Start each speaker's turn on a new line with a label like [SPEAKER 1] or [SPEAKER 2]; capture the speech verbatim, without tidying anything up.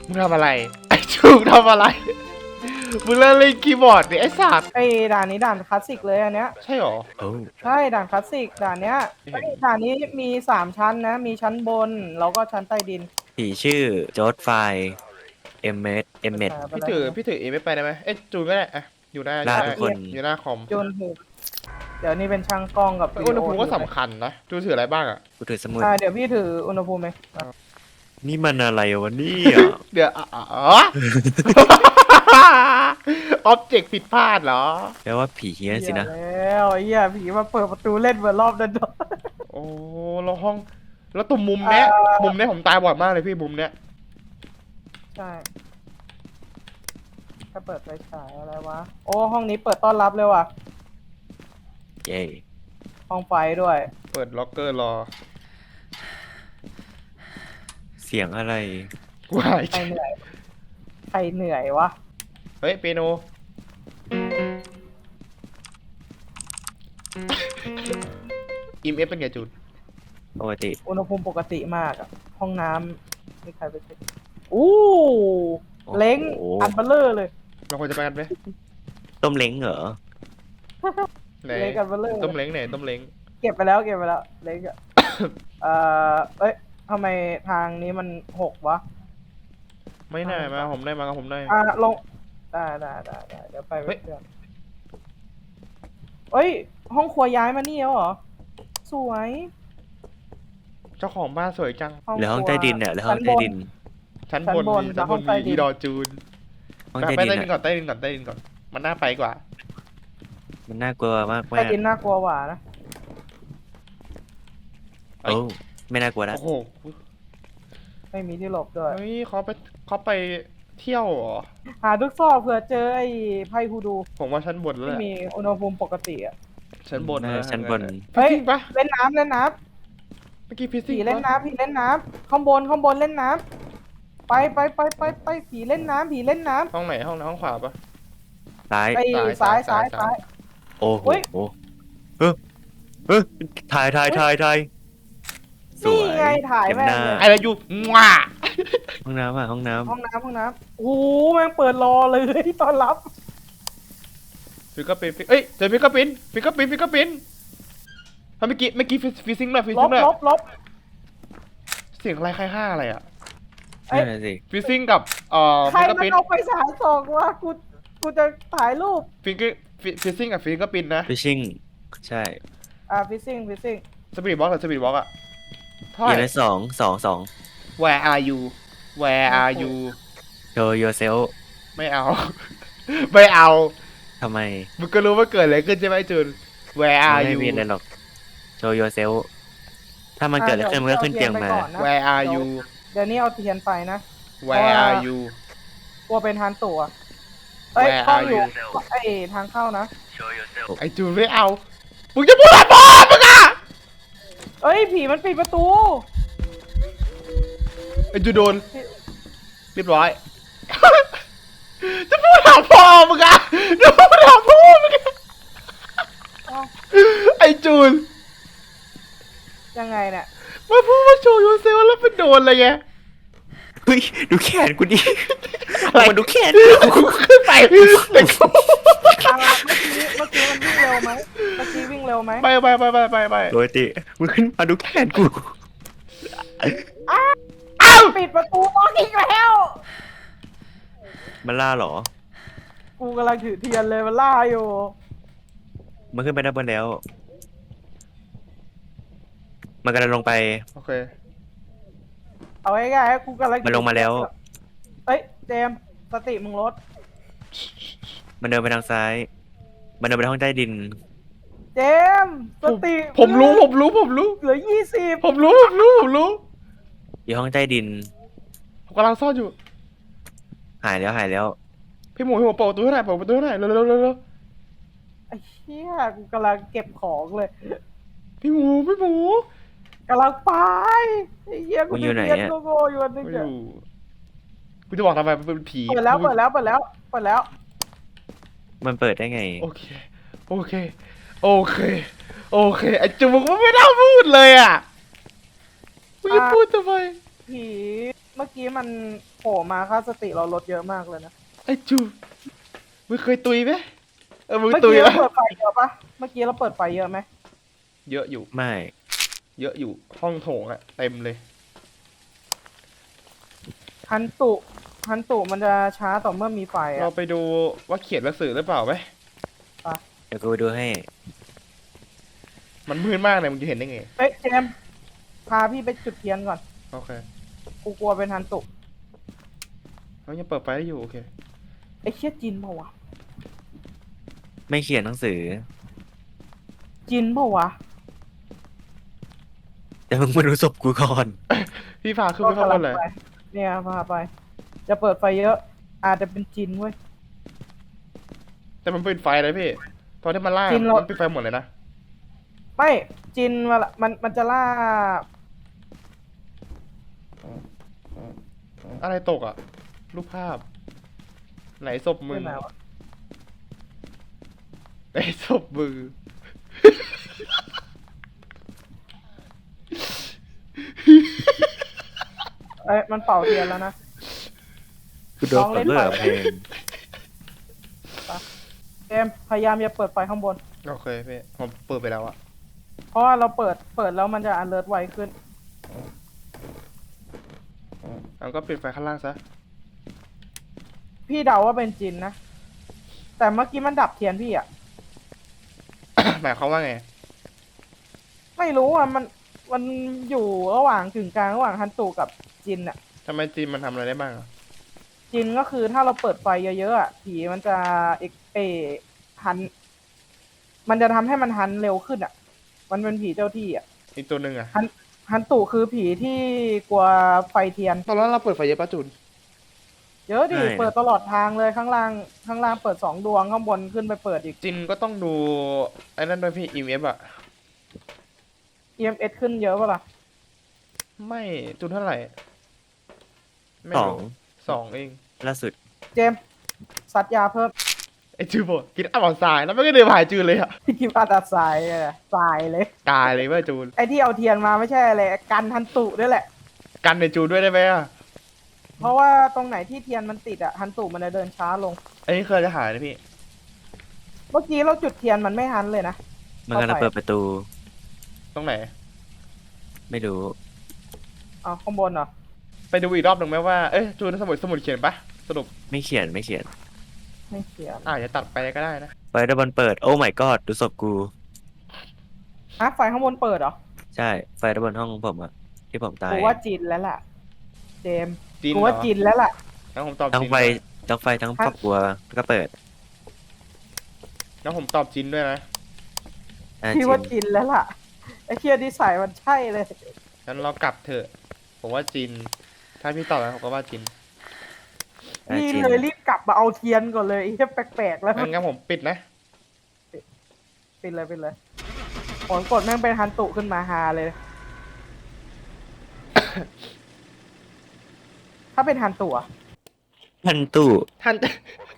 [SPEAKER 1] มึงทำอะไรไอ้จูทำอะไรมึงเล่นเล่นคีย์บอร์ดดิไอ้สัตว์
[SPEAKER 2] ไอ้ด่านนี้ด่านคลาสสิกเลยอันเนี้ย
[SPEAKER 1] ใช่หรอ
[SPEAKER 3] โอ้
[SPEAKER 2] ใช่ด่านคลาสสิกด่านเนี้ยไอ้ด่านนี้มีสามชั้นนะมีชั้นบนแล้วก็ชั้นใต้ดิน
[SPEAKER 3] ผีชื่อจอร์ดไฟเอ็มเมดเอ็มเมด
[SPEAKER 1] พี่ถือพี่ถือเอไม่ไปได้ไหมเอ้ยจูก็ได้อะอยู่หน้าอยู่
[SPEAKER 3] ได้
[SPEAKER 1] ห
[SPEAKER 3] ทุ
[SPEAKER 1] น้าก
[SPEAKER 3] คน
[SPEAKER 1] อยู่หน้าคอม
[SPEAKER 2] จนถึงเดี๋ยวนี้เป็นช่างกล้องกับ
[SPEAKER 1] อุณหภูมิก็สำคัญนะจูถืออะไรบ้างอะ
[SPEAKER 3] กูถือสมุด
[SPEAKER 2] อ่าเดี๋ยวพี่ถืออุณหภูมิไหม
[SPEAKER 3] นี่มันอะไรวะเนี่ย
[SPEAKER 1] เดี๋ยวอ๋อออบเจกต์ผิดพลาดเหรอ
[SPEAKER 3] แปลว่าผีเฮี้ยนสินะ
[SPEAKER 2] เหี้ยแล้วไอ้เหี้ยผีมาเปิดประตูเล่นเหมือนรอบนั้นด้วย
[SPEAKER 1] โอ้แล้วห้อง แล้วตรงมุมเนี้ย
[SPEAKER 2] เอ่อ
[SPEAKER 1] มุมเนี้ยผมตายบ่อยมากเลยพี่มุมเนี้ย
[SPEAKER 2] ใช่ถ้าเปิดไฟฉายอะไรวะโอ้ห้องนี้เปิดต้อนรับเลยว่ะ
[SPEAKER 3] เย้
[SPEAKER 2] ห้องไฟด้วย
[SPEAKER 1] เปิดล็อกเกอร์รอ
[SPEAKER 3] เสียงอะไร
[SPEAKER 1] กูหาย
[SPEAKER 2] ใครเหนื่อยใครเหนื่อยวะ
[SPEAKER 1] เฮ้ยเปียโนอิมเอฟเป็นไงจูน
[SPEAKER 3] ปกติ
[SPEAKER 2] อุณหภูมิปกติมากอะห้องน้ำมีใครไปเช็คอู้เล้งอันเบลเลอร์เลย
[SPEAKER 1] เราควรจะไปกันไหม
[SPEAKER 3] ต้มเล้งเหรอ
[SPEAKER 1] ไหน
[SPEAKER 2] เล้งอันเบลเลอร์
[SPEAKER 1] ต้มเล้งไหนต้มเล้ง
[SPEAKER 2] เก็บไปแล้วเก็บไปแล้วเล้งอะ เอ่อเอ้ยทำไมทางนี้มันหกวะ
[SPEAKER 1] ไม่น่ามาผมได้มากับผมได้
[SPEAKER 2] อ่าลงได้ได้ได้ได้เดี๋ยวไป
[SPEAKER 1] เฮ้ย
[SPEAKER 2] เพื่อนเอ้ย ห้องครัวย้ายมานี่แล้วเหรอ สวย
[SPEAKER 1] เจ้าของบ้านสวยจัง
[SPEAKER 3] หรือห้องใต้ดินเนี่ยหรือห้องใต้ดิน
[SPEAKER 1] ชั้น
[SPEAKER 2] ชั้น
[SPEAKER 1] บบ น
[SPEAKER 2] น
[SPEAKER 1] มีชั้นบ
[SPEAKER 2] ห้อน งใต้
[SPEAKER 1] มี
[SPEAKER 2] ดิน
[SPEAKER 1] อีดอจูน
[SPEAKER 3] ห้อง
[SPEAKER 1] ไป
[SPEAKER 3] ใต้
[SPEAKER 1] ไป
[SPEAKER 3] ดิน
[SPEAKER 1] ใต้ดินก่อ
[SPEAKER 3] อะ
[SPEAKER 1] นใต้ดินก่อนใต้ดินก่อนมันน่าไปกว่า
[SPEAKER 3] มันน่ากลัวมาก
[SPEAKER 2] ใต้
[SPEAKER 3] มาก
[SPEAKER 2] ดินน่ากลัวกว่านะ
[SPEAKER 1] ไป
[SPEAKER 3] โอ้ไม่น่ากลัวนะ
[SPEAKER 1] โอ้โห
[SPEAKER 2] ไม่มีที่หลบด้วย
[SPEAKER 1] เฮ้ยเขาไปเขาไปเที่ยวเหรอ
[SPEAKER 2] หาทุกซอกเผื่อเจอไอ้ไพ่ฮูดู
[SPEAKER 1] ผมว่าชั้นบนแล้ว
[SPEAKER 2] ที่
[SPEAKER 1] แหละ
[SPEAKER 2] มีอุณหภูมิปกติอ่ะ
[SPEAKER 1] ชั้นบน
[SPEAKER 3] น่าจะชั้นบน
[SPEAKER 1] เฮ้ยจริงปะ
[SPEAKER 2] เล่นน้ำเล่นน้
[SPEAKER 1] เมื่อกี้ฟิ
[SPEAKER 2] ำ
[SPEAKER 1] สิ
[SPEAKER 2] ผี
[SPEAKER 1] กส์
[SPEAKER 2] เล่นน้ำผีเล่นน้ำข้างบนข้างบนเล่นน้ำไปไปไปไปไปผีเล่นน้ำผีเล่นน้ำ
[SPEAKER 1] ห้องไหนห้องไหนห้องขวาปะ
[SPEAKER 3] ซ้าย
[SPEAKER 2] ไอ้
[SPEAKER 1] ซ้า
[SPEAKER 2] ซ้าย ย
[SPEAKER 1] ซ้า
[SPEAKER 2] ซ้าย ย
[SPEAKER 1] ซ้า
[SPEAKER 2] ซ้าย ย
[SPEAKER 3] โอ้โห
[SPEAKER 2] เฮ้ย
[SPEAKER 3] เออเออถ่ายถ่ายถ่ายถ่ายสว
[SPEAKER 2] นี่
[SPEAKER 3] ย
[SPEAKER 2] ไงถ่าย
[SPEAKER 3] เต็ม
[SPEAKER 2] แม่ง
[SPEAKER 3] หน้า
[SPEAKER 2] เลย
[SPEAKER 1] อะไรอยู่ว้า
[SPEAKER 3] ห้องน้ำอ่ะห้องน้
[SPEAKER 2] ห้องน้ำห้องน้ำโอ้โหแม่งเปิดรอเลยตอนรับ
[SPEAKER 1] ฟิกเกอร์ปินเอ้ยเจอฟิกเกอร์ปินฟิกเกอร์ปินฟิกเกอร์ปินทำเมื่อกี้เมื่อกี้ฟิซิงหน่อยฟิ
[SPEAKER 2] ล
[SPEAKER 1] ซิง
[SPEAKER 2] บ
[SPEAKER 1] หน่อย
[SPEAKER 2] ลบลบ
[SPEAKER 1] เสียงอะไรใครฆ่าอะไรอ่ะ
[SPEAKER 3] ำ
[SPEAKER 2] เอ้ย
[SPEAKER 3] นั่นนะสิ
[SPEAKER 1] ฟิซิงกับเอ่อ
[SPEAKER 2] ใคร
[SPEAKER 1] ฟิกเกอร์
[SPEAKER 2] มัน
[SPEAKER 1] ปิน
[SPEAKER 2] เอาไปสายส่องวะกูกูจะถ่ายรูป
[SPEAKER 1] ฟิกเกอร์ฟิซิงกับฟิกเกอร์ปินนะ
[SPEAKER 3] ฟิชชิ่งใช่
[SPEAKER 2] อ่าฟิซซิ่งฟิซซิ่ง
[SPEAKER 1] สปีดบล็อกหรือสปีดบล็อกอะเท่า
[SPEAKER 3] อ
[SPEAKER 1] ไห
[SPEAKER 3] ย่าง
[SPEAKER 1] ร่
[SPEAKER 3] ละสองสองสอง
[SPEAKER 1] Where are you Where are you
[SPEAKER 3] show yourself
[SPEAKER 1] ไม่เอา ไม่เอา
[SPEAKER 3] ทำไม
[SPEAKER 1] มึงก็รู้ว่าเกิดอะไรขึ้นใช่ไหมจูน Where
[SPEAKER 3] มัน
[SPEAKER 1] are
[SPEAKER 3] ไม่
[SPEAKER 1] you
[SPEAKER 3] มีอะไรหรอก show yourself ถ้ามันเกิดอะไรขึ้นมันก็ขึ้นเตียงมา
[SPEAKER 1] Where are you
[SPEAKER 2] เดี๋ยวนี้เอาเทียนไปนะ
[SPEAKER 1] Where are you
[SPEAKER 2] กลัวเป็นทานตัวเอ้ย
[SPEAKER 1] Where
[SPEAKER 2] กล้อง
[SPEAKER 1] are
[SPEAKER 2] อยู่
[SPEAKER 1] you
[SPEAKER 2] ไอ้ทางเข้านะ
[SPEAKER 1] ไอจูนไม่เอา มึงจะพูดอะไรบอลมึงอะ
[SPEAKER 2] เอ้ยผีมันปิดประตู
[SPEAKER 1] ไอจูนโดน เรียบร้อย จะพูดถามพ่อมึงอะจะพูดถามพ่อมึงอะ
[SPEAKER 2] เอ้า
[SPEAKER 1] ไอจูน
[SPEAKER 2] ยังไงเนี่ย
[SPEAKER 1] มาพูดว่าโชว์ยูเซลแล้วเป็นโดนอะไรไง
[SPEAKER 3] เฮ้ย ดูแขนกูดิ
[SPEAKER 1] อะไร
[SPEAKER 3] มันดูแขน
[SPEAKER 1] กูขึ้นไปแต่กู
[SPEAKER 2] อ่าเมื่อกี้เมื่อกี้มันวิ่งเร็วไหมเมื่อกี้วิ่งเร็วไหม
[SPEAKER 1] ไปไปไปไปไปไป
[SPEAKER 3] โดยติมึงขึ้นมาดูแขนกู
[SPEAKER 1] อ้าว
[SPEAKER 2] ปิดประตูล็อกอีกแล้ว
[SPEAKER 3] มันล่าเหรอ
[SPEAKER 2] กูกำลังถือเทียนเลยมันล่าอยู่
[SPEAKER 3] มันขึ้นไปด้านบนแล้ว มันกำลังลงไป
[SPEAKER 1] โอเค
[SPEAKER 2] เอาง่ายๆกูกำลัง
[SPEAKER 3] มันลงมาแล้ว
[SPEAKER 2] เอ้ยเจมส์สติมึงลด
[SPEAKER 3] มันเดินไปทางซ้าย มันเดินไปห้องใต้ดิน
[SPEAKER 2] เจมส์สติ
[SPEAKER 1] ผมรู้ผมรู้ผมรู้
[SPEAKER 2] เหลือยี่สิบ
[SPEAKER 1] ผมรู้ผมรู้ผมรู้
[SPEAKER 3] อยู่ห้องใต้ดิน
[SPEAKER 1] ผมกำลังซ่อนอยู่
[SPEAKER 3] หายแล้วหายแล้ว
[SPEAKER 1] พี่หมูพี่หมูเปิดประตูให้หน่อยเปิดประตูให้หน่อยเร็วเร็วเร็วเร็ว
[SPEAKER 2] ไอ้เหี้ยกูกำลังเก็บของเลย
[SPEAKER 1] พี่หมูพี่หมู
[SPEAKER 2] กำลังไปไอ้เหี้ยกู
[SPEAKER 3] มึงอยู่ไหน
[SPEAKER 2] เรียน
[SPEAKER 3] อะ
[SPEAKER 2] โง่ๆอยู่อันนึง
[SPEAKER 1] ไม่อ
[SPEAKER 2] อะ
[SPEAKER 1] ยู่กูจะบอกทำไมมันเป็นผี
[SPEAKER 2] เปิดแล้วเปิดแล้วเปิดแล้วเปิดแล้ว
[SPEAKER 3] มันเปิดได้ไง
[SPEAKER 1] โอเคโอเคโอเคโอเคไอจูมึงไม่น่าพูดเลยอ่ะมึงจะพูดทำไม
[SPEAKER 2] ผีมื่อกี้มันโผล่มาค่าสติเราลดเยอะมากเลยนะ
[SPEAKER 1] ไอ้จูมึงเคยตุยไหมเออมึง
[SPEAKER 2] เมื่อ
[SPEAKER 1] ตุย
[SPEAKER 2] กี้
[SPEAKER 1] ไหม
[SPEAKER 2] เราเปิดไฟเยอะปะเมื่อกี้เราเปิดไฟเยอะไหม
[SPEAKER 1] เยอะอยู่
[SPEAKER 3] ไม่
[SPEAKER 1] เยอะอยู่ห้องโถงอะเต็มเลย
[SPEAKER 2] ฮันตุฮันตุมันจะช้าต่อเมื่อมีไฟ
[SPEAKER 1] เรา
[SPEAKER 2] อ่ะ
[SPEAKER 1] ไปดูว่าเขียนหนังสือหรือเปล่าไหม
[SPEAKER 3] เดี๋ยวกูไปดูให้
[SPEAKER 1] มันมืดมากเลยมึงจะเห็นได้ไง
[SPEAKER 2] เฮ้ยเจมส์พาพี่ไปจุดเทียนก่อน
[SPEAKER 1] โอเค
[SPEAKER 2] กูกลัวเป็นฮันตุ
[SPEAKER 1] เขายังเปิดไฟได้อยู่โอเค
[SPEAKER 2] ไอ้เชี่ยจินเปล่าวะ
[SPEAKER 3] ไม่เขียนหนังสือ
[SPEAKER 2] จินเปล่าวะ
[SPEAKER 3] แต่มึงมาดูศพกูก่อน
[SPEAKER 1] พี่พาขึ้นไปข้างบนเลย
[SPEAKER 2] ไปเนี่ยพาไป จะเปิดไฟเยอะ อาจจะเป็นจินเว้ย
[SPEAKER 1] แต่มันเป็นไฟเลยพี่ตอนที่มันล่า
[SPEAKER 2] จริงเรามั
[SPEAKER 1] มันเป็นไฟหมดเลยนะ
[SPEAKER 2] ไม่จินเวลามันมันจะล่า
[SPEAKER 1] อะไรตกอ่ะ รูปภาพ ไหนศพมึง
[SPEAKER 2] ที่ไหนวะ
[SPEAKER 1] ไหนศพมึง
[SPEAKER 2] เอ้ยมันเป่าเทียนแล้วนะ
[SPEAKER 3] กูโดนกดเลิกเพลง
[SPEAKER 2] เจมส์พยายามอย่าเปิดไฟข้างบน
[SPEAKER 1] โอเคพี่ผมเปิดไปแล้วอะ
[SPEAKER 2] เพราะว่าเราเปิดเปิดแล้วมันจะอันเลิศไวขึ้น
[SPEAKER 1] เอาก็ปิดไฟข้างล่างซะ
[SPEAKER 2] พี่เดาว่าเป็นจินนะ แต่เมื่อกี้มันดับเทียนพี่อ่ะ
[SPEAKER 1] หมายความว่าไง
[SPEAKER 2] ไม่รู้อ่ะมันมันอยู่ระหว่างกึ่งกลางระหว่างฮันตูกับจินอ่ะ
[SPEAKER 1] ทำไมจีนมันทำอะไรได้บ้างอะ
[SPEAKER 2] จินก็คือถ้าเราเปิดไฟเยอะๆอ่ะผีมันจะเอกเอหัน มันจะทำให้มันหันเร็วขึ้นอ่ะ มันเป็นผีเจ้าที่อ่ะ
[SPEAKER 1] อีกตัวหนึ่งอะ
[SPEAKER 2] ฮันตูคือผีที่กลัวไฟเทียน
[SPEAKER 1] ตอนนั้นเราเปิดไฟเยอะปะจูน
[SPEAKER 2] เยอะดิ
[SPEAKER 3] ใช่
[SPEAKER 2] เปิดตลอดทางเลยข้างล่างข้างล่างเปิดสองดวงข้างบนขึ้นไปเปิดอีก
[SPEAKER 1] จินก็ต้องดูไอ้นั่นด้วยพี่ อี เอฟ อะ
[SPEAKER 2] อี เอ็ม เอส ขึ้นเยอะปะล่ะ
[SPEAKER 1] ไม่จูนเท่าไหร่ไม่
[SPEAKER 3] สอง
[SPEAKER 1] รู้สองเอง
[SPEAKER 3] ล่าสุด
[SPEAKER 2] เจมส์สัตยาเพิ่ม
[SPEAKER 1] ไอ้จูนบอกกินอ่อนทรายแล้วไม่ก็เดินผ่านจูนเลยอะ
[SPEAKER 2] พี่กิมอาตาสายอะสายเลย
[SPEAKER 1] ตายเลยเว่าจูน
[SPEAKER 2] ไอ้ที่เอาเทียนมาไม่ใช่อะไรกันฮันตุด้วยแหละ
[SPEAKER 1] กันในจูนด้วยได้ไหมอะ
[SPEAKER 2] เพราะว่าตรงไหนที่เทียนมันติดอะฮันตุมันจะเดินช้าลง
[SPEAKER 1] อันนี้เคยจะหายนะพี่
[SPEAKER 2] เมื่อกี้เราจุดเทียนมันไม่ฮันเลยนะ
[SPEAKER 3] มันกำลังเปิดประตู
[SPEAKER 1] ตรงไหน
[SPEAKER 3] ไม่รู้
[SPEAKER 2] อ๋อข้างบนเหรอ
[SPEAKER 1] ไปดูอีกรอบหนึ่งไหมว่า เอ้ยจูนสมุดสมุดเขียนปะสรุป
[SPEAKER 3] ไม่เขียนไม่เขียน
[SPEAKER 2] ไม่เขียน
[SPEAKER 1] อาจจะตัดไปก็ได้นะ
[SPEAKER 3] ไฟดับบนเปิด โอ้ my god ดูศพกู
[SPEAKER 2] อ่ะไฟข้างบนเปิดเหรอ
[SPEAKER 3] ใช่ ไฟดับบนห้องของผมอะที่ผมตาย
[SPEAKER 2] กูว่าจินแล้วล่ะ เจมส์
[SPEAKER 1] จิน
[SPEAKER 2] กู
[SPEAKER 1] เหร
[SPEAKER 2] ว่า
[SPEAKER 1] อ
[SPEAKER 2] จินแล้วล่ะ
[SPEAKER 1] งั้นผมตอบ
[SPEAKER 3] ทั้ง
[SPEAKER 1] จิน
[SPEAKER 3] ไฟ
[SPEAKER 1] ด้วย
[SPEAKER 3] ทั้งไฟทั้งครอบครัวก็เปิด
[SPEAKER 1] งั้นผมตอบจินด้วยนะ
[SPEAKER 3] อ่ะ
[SPEAKER 2] พี่ว่า
[SPEAKER 3] จริง
[SPEAKER 2] จินแล้วล่ะ ไอ้เทียนที่ใส่มันใช่เลย
[SPEAKER 1] งั้นเรากลับเถอะ ผมว่าจิน ถ้าพี่ตอบแล้วผมก็ว่าจิน
[SPEAKER 3] อ่ะ
[SPEAKER 2] พี่
[SPEAKER 3] จริง
[SPEAKER 2] เลยรีบกลับมาเอาเทียนก่อนเลยไอ้เหี้ยแปลกๆแล้ว
[SPEAKER 1] งั้นงั้นผมปิดนะ
[SPEAKER 2] ปิดเลยปิดเลยผลกดแม่งเป็นฮันตุขึ้นมาฮาเลย ถ้าเป็นฮันตุอะ
[SPEAKER 3] พันตู้
[SPEAKER 1] ท่าน